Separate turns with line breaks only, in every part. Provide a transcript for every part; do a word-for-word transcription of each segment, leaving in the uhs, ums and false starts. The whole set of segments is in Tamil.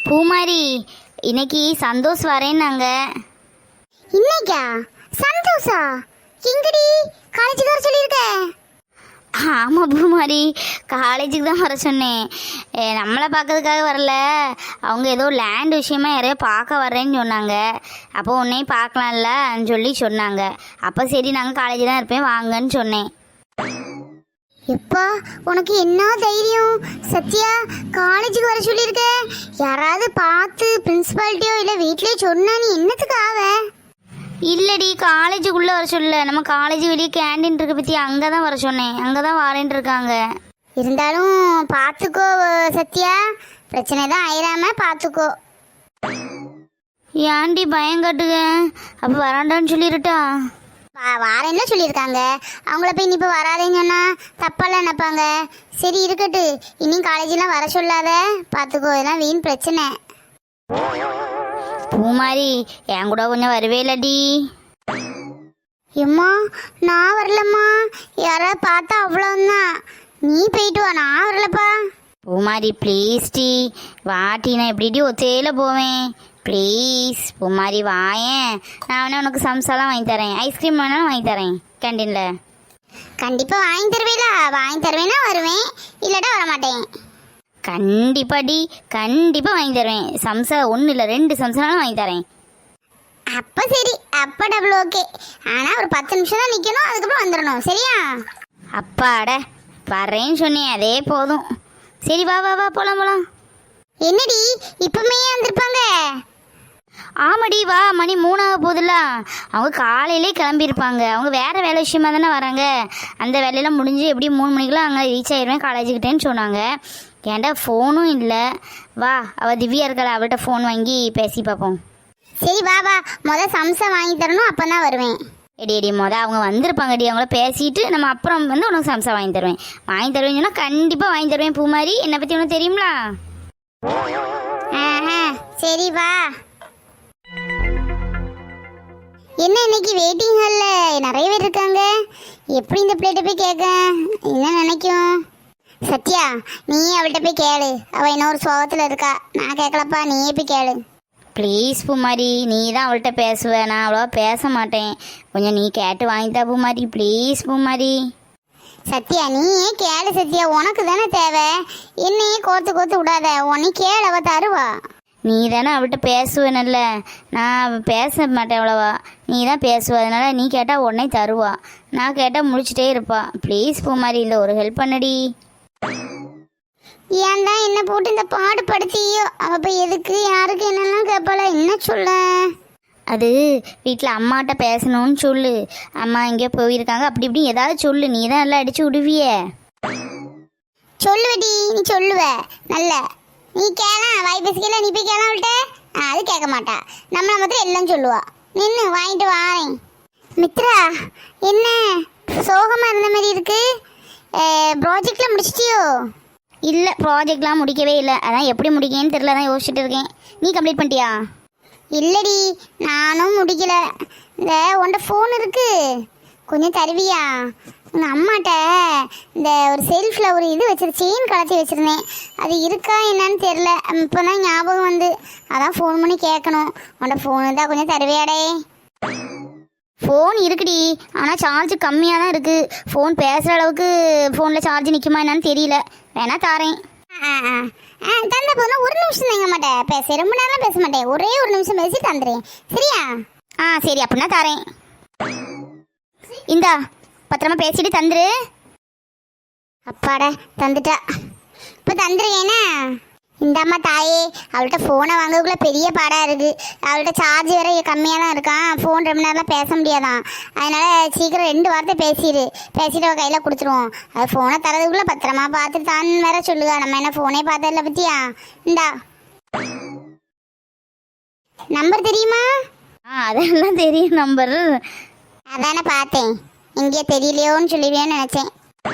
பூமாரி, இன்னைக்கு சந்தோஷ் வரேன்னாங்க.
இன்னைக்கா? சந்தோஷா? எங்கடி? காலேஜுக்கு வர சொல்லியிருக்க?
ஆமாம் பூமாரி, காலேஜுக்கு தான் வர சொன்னேன். ஏ, நம்மளை பார்க்கறதுக்காக வரல. அவங்க ஏதோ லேண்ட் விஷயமா யாரையோ பார்க்க வர்றேன்னு சொன்னாங்க. அப்போ உன்னையும் பார்க்கலாம்லன்னு சொல்லி சொன்னாங்க. அப்போ சரி, நாங்கள் காலேஜ் தான் இருப்பேன், வாங்கன்னு சொன்னேன்.
எப்பா, உனக்கு என்ன தைரியம்? சத்யா, காலேஜுக்கு வர சொல்லியிருக்க. யாராவது பார்த்து பிரின்சிபாலிட்டியோ இல்லை வீட்லேயே சொன்னா நீ என்னத்துக்கு ஆவ?
இல்லடி, காலேஜுக்குள்ளே வர சொல்ல. நம்ம காலேஜ் வெளியே கேண்டீன் இருக்க பற்றி அங்கே தான் வர சொன்னேன். அங்கே தான் வரேன்ட்டு இருக்காங்க.
இருந்தாலும் பார்த்துக்கோ சத்யா, பிரச்சனை தான் ஆயிராம பார்த்துக்கோ.
ஏன்டி பயம் காட்டுங்க? அப்போ வராண்டான்னு சொல்லிருட்டா?
வாரேன்னு சொல்லியிருக்காங்க. அவங்கள போய் நீ இப்போ வராதேன்னு சொன்னா தப்பாலாம் நினைப்பாங்க. சரி இருக்கட்டு, இன்னும் காலேஜெலாம் வர சொல்லாத, பார்த்துக்கோ, இதெல்லாம் வீண் பிரச்சனை.
பூமாரி, என் கூட கொஞ்சம் வரவே இல்லடி.
எம்மா, நான் வரலம்மா. யாராவது பார்த்தா அவ்வளோதான். நீ போயிட்டு வா, நான் வரலப்பா.
பூமாரி ப்ளீஸ் டி, வாட்டி, நான் எப்படிடி ஒத்தையில் போவேன்? ப்ளீஸ் பூமாரி வாயேன். நான் வேணா உனக்கு சம்சாலாம் வாங்கி தரேன், ஐஸ்கிரீம் வேணாலும் வாங்கி தரேன் கேண்டீனில்.
கண்டிப்பாக வாங்கி தருவேலா? வாங்கி தருவேன்னா வருவேன், இல்லாட்டா வரமாட்டேன்.
கண்டிப்பாடி, கண்டிப்பாக வாங்கி தருவேன். சம்சா ஒன்றும் இல்லை, ரெண்டு சம்சாலும் வாங்கி தரேன்.
அப்போ சரி, அப்போ டபுள் ஓகே. ஆனால் ஒரு பத்து நிமிஷம் தான் நிற்கணும், அதுக்கப்புறம் வந்துடணும், சரியா?
அப்பாட, வரேன்னு சொன்னேன், அதே போதும். சரி வா வா வா, போகலாம் போகலாம்.
என்னடி இப்பவுமே வந்திருப்பாங்க?
ஆமாடி, வா, மணி மூணாக போகுதுல்ல. அவங்க காலையிலே கிளம்பியிருப்பாங்க. அவங்க வேறு வேலை விஷயமா தானே வராங்க. அந்த வேலையெல்லாம் முடிஞ்சு எப்படி மூணு மணிக்கெலாம் அங்கே ரீச் ஆயிடுவேன் காலேஜுக்கிட்டேன்னு சொன்னாங்க. ஏன்டா ஃபோனும் இல்லை. வா, அவள் திவ்யா இருக்கல, அவள்கிட்ட ஃபோன் வாங்கி பேசி பார்ப்போம்.
சரி வா வா, முதல் சம்சா வாங்கி தரணும், அப்போ தான் வருவேன்.
எடி எடி மொதல் அவங்க வந்திருப்பாங்கடி, அவங்கள பேசிட்டு நம்ம அப்புறம் வந்து உனக்கு சம்சா வாங்கி தருவேன். வாங்கி தருவேன்னு சொன்னால் கண்டிப்பாக வாங்கி தருவேன். பூமாரி, என்னை பற்றி உனக்கு தெரியுங்களா?
ஆஹா, சரி வா. என்ன இன்னைக்கு வெயிட்டிங் ஹாலில் நிறைய பேர் இருக்காங்க. எப்படி இந்த பிளேட்டை போய் கேட்க என்ன நினைக்கும்? சத்யா, நீ அவள்கிட்ட போய் கேளு. அவள் இன்னொரு சோகத்தில் இருக்கா. நான் கேட்கலப்பா, நீயே போய் கேளு.
ப்ளீஸ் பூமாரி, நீ தான் அவள்கிட்ட பேசுவ, நான் அவ்வளோவா பேச மாட்டேன். கொஞ்சம் நீ கேட்டு வாங்கித்தா பூமாரி, ப்ளீஸ் பூமாரி.
சத்யா, நீயே கேளு சத்யா, உனக்கு தானே தேவை. என்னையே கோத்து கோத்து விடாத, உன்னை கேளு, அவள் தருவா.
நீ தானே அவள்கிட்ட பேசுவேன்ல, நான் பேச மாட்டேன் அவ்வளோவா. நீ தான் பேசுவ, அதனால நீ கேட்டால் உடனே தருவா. நான் கேட்டால் முடிச்சுட்டே இருப்பா. ப்ளீஸ் பூமாரி, இல்லை ஒரு ஹெல்ப் பண்ணடி.
ஏன் தான் என்ன போட்டு இந்த பாடு படுத்தியோ? அவள் போய் எதுக்கு யாருக்கு என்னெல்லாம் கேட்பாள, என்ன சொல்ல?
அது வீட்டில் அம்மாட்ட பேசணும்னு சொல்லு. அம்மா எங்கேயோ போயிருக்காங்க, அப்படி இப்படி ஏதாவது சொல்லு. நீ தான் எல்லாம் அடிச்சு விடுவிய.
சொல்லுவடி, நீ சொல்லுவ நல்ல. நீ கேளா, வாய் பேசிக்கல, நீ போய் கேளா அவள்கிட்ட. அது கேட்க மாட்டா, நம்மளை மாத்திரம் எல்லாம் சொல்லுவா. நின்று வாங்கிட்டு வாரேன். மித்ரா, என்ன சோகமாக இருந்த மாதிரி இருக்கு? ப்ராஜெக்டில் முடிச்சிட்டியோ?
இல்லை, ப்ராஜெக்ட்லாம் முடிக்கவே இல்லை. அதான் எப்படி முடிக்கேன்னு தெரியல, தான் யோசிச்சுட்டு இருக்கேன். நீ கம்ப்ளீட் பண்ணிட்டியா?
இல்லடி, நானும் முடிக்கல. இந்த உன்ட ஃபோன் இருக்கு, கொஞ்சம் தருவியா? உங்கள் அம்மாட்ட இந்த ஒரு செல்ஃபில் ஒரு இது வச்சிரு, செயின் கலத்தி வச்சுருந்தேன். அது இருக்கா என்னன்னு தெரில, இப்போ தான் ஞாபகம் வந்து, அதான் ஃபோன் பண்ணி கேட்கணும். உன்ட ஃபோன் இருந்தால் கொஞ்சம் தருவியாடே?
ஃபோன் இருக்குடி, ஆனால் சார்ஜ் கம்மியாக தான் இருக்குது. ஃபோன் பேசுகிற அளவுக்கு ஃபோனில் சார்ஜ் நிற்குமா என்னன்னு தெரியல. வேணா தாரேன்.
ஆ ஆ ஆ தந்த போதும் ஒரு நிமிஷம் தாங்க மாட்டேன், பேச ரொம்ப நேரம் பேச மாட்டேன், ஒரே ஒரு நிமிஷம் பேசி தந்துடுறேன், சரியா?
ஆ சரி, அப்படின்னா தாரேன். இந்தா, பத்திரமா பேசிட்டு தந்துரு.
அப்பாடா, தந்துட்டா. இப்போ தந்துருக்கேன்னா இந்தாம்மா தாயே. அவள்கிட்ட ஃபோனை வாங்கக்குள்ளே பெரிய பாடாக இருக்குது. அவள்கிட்ட சார்ஜ் வேறு கம்மியாக தான் இருக்கான். ஃபோன் ரொம்ப நேரம்லாம் பேச முடியாதான். அதனால் சீக்கிரம் ரெண்டு வார்த்தை பேசிடு, பேசிட்டு அவள் கையில் கொடுத்துருவோம். அது ஃபோனை தரதுக்குள்ளே பத்திரமா பார்த்துட்டு தான் வேற சொல்லுவா. நம்ம என்ன ஃபோனே பார்த்ததில்ல பற்றியா? இந்தா நம்பர் தெரியுமா?
ஆ அதெல்லாம் தெரியும் நம்பர்.
அதானே பார்த்தேன், இங்கே தெரியலையோன்னு சொல்லுவியோன்னு நினச்சேன்.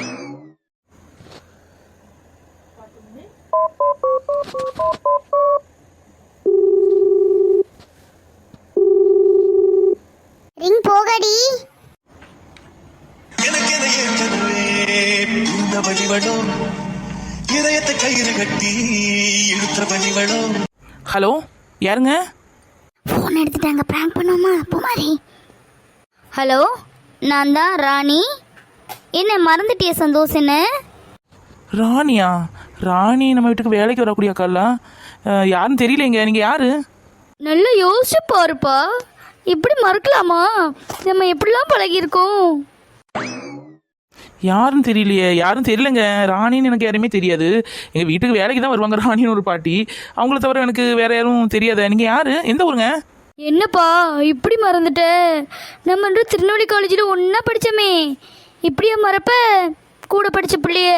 ரிங் போகடி.
வழிவடும் இதயத்தை கயிறு கட்டி இழுத்த வழிவடும். ஹலோ யாருங்க?
ஃபோன் எடுத்துட்டாங்க, ப்ராங்க் பண்ணுவோமா பூமாரி? ஹலோ, நான் தான் ராணி. என்ன மறந்துட்டிய சந்தோஷ்? என்ன
ராணியா? ராணி நம்ம வீட்டுக்கு வேலைக்கு வரக்கூடிய அக்காலா? யாருன்னு தெரியலைங்க. நீங்கள் யாரு?
நல்லா யோசிச்சு பாருப்பா, இப்படி மறக்கலாமா? நம்ம எப்படிலாம் பழகியிருக்கோம்.
யாருன்னு தெரியலையே. யாரும் தெரியலங்க. ராணின்னு எனக்கு யாருமே தெரியாது. எங்கள் வீட்டுக்கு வேலைக்கு தான் வருவாங்க ராணின்னு ஒரு பாட்டி. அவங்கள தவிர எனக்கு வேற யாரும் தெரியாத. நீங்கள் யாரு? எந்த ஊருங்க?
என்னப்பா இப்படி மறந்துட்ட? நம்ம ரெண்டு திருநெல்வேலி காலேஜில் ஒன்றா படித்தோமே, இப்படியா மறப்ப? கூட படித்த பிள்ளைய.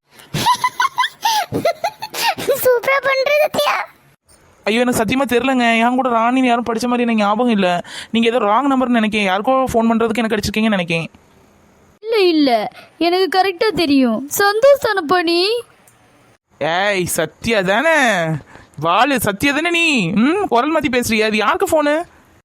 சூப்பரா பண்றது சத்யா.
ஐயோ எனக்கு சத்தியமாக தெரிலங்க. என் கூட ராணின்னு யாரும் படித்த மாதிரி எனக்கு ஞாபகம் இல்லை. நீங்கள் ஏதோ ராங் நம்பர்னு நினைக்கேன். யாருக்கோ ஃபோன் பண்ணுறதுக்கு எனக்கு அடிச்சிருக்கீங்கன்னு நினைக்கேன்.
இல்லை இல்லை, எனக்கு கரெக்டாக தெரியும். சந்தோஷ் தானப்பா நீ?
ஏய் சத்யா தானே? வாழு சத்யா தானே நீ? ம் குரல் மாற்றி பேசுறியா? அது யாருக்கு ஃபோனு?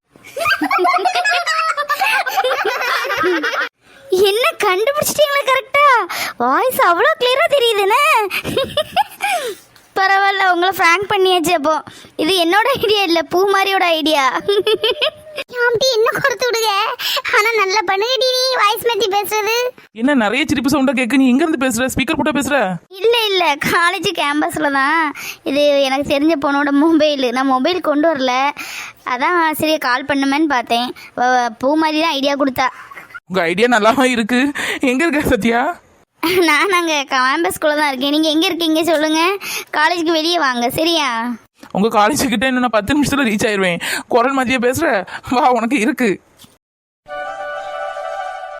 என்ன கண்டுபிடிச்சிட்டீங்களா கரெக்டா? வாய்ஸ் அவ்வளோ கிளியராக தெரியுதுண்ணே. பரவாயில்ல, உங்களை ஃப்ராங்க் பண்ணியாச்சு. அப்போ இது என்னோட ஐடியா இல்லை, பூமாரியோட ஐடியா.
ஆம்டி என்ன கொடுத்து விடுங்க. ஆனா நல்லா பண்ணுங்கடி நீ வாய்ஸ் மாத்தி பேசுறது.
என்ன நிறைய சிரிப்பு சவுண்டாக கேட்க? நீ எங்கேருந்து பேசுகிற? ஸ்பீக்கர் போட்டால் பேசுகிற?
இல்லை இல்லை, காலேஜ் கேம்பஸில் தான். இது எனக்கு தெரிஞ்ச பொண்ணோட மொபைல். நான் மொபைல் கொண்டு வரல, அதான் சரியா கால் பண்ணுமேன்னு பார்த்தேன். வ- பூமாரி தான் ஐடியா கொடுத்தா.
உங்கள் ஐடியா நல்லாவா இருக்கு. எங்கே இருக்க சத்யா?
நான் நாங்கள் கேம்பஸ்குள்ளே தான் இருக்கேன். நீங்கள் எங்கே இருக்கீங்க சொல்லுங்கள், காலேஜுக்கு வெளியே வாங்க சரியா?
உங்கள் காலேஜ் கிட்ட இன்னும் நான் பத்து நிமிஷத்தில் ரீச் ஆயிடுவேன். குரல் மாற்றியே பேசுகிற? வா உனக்கு இருக்கு.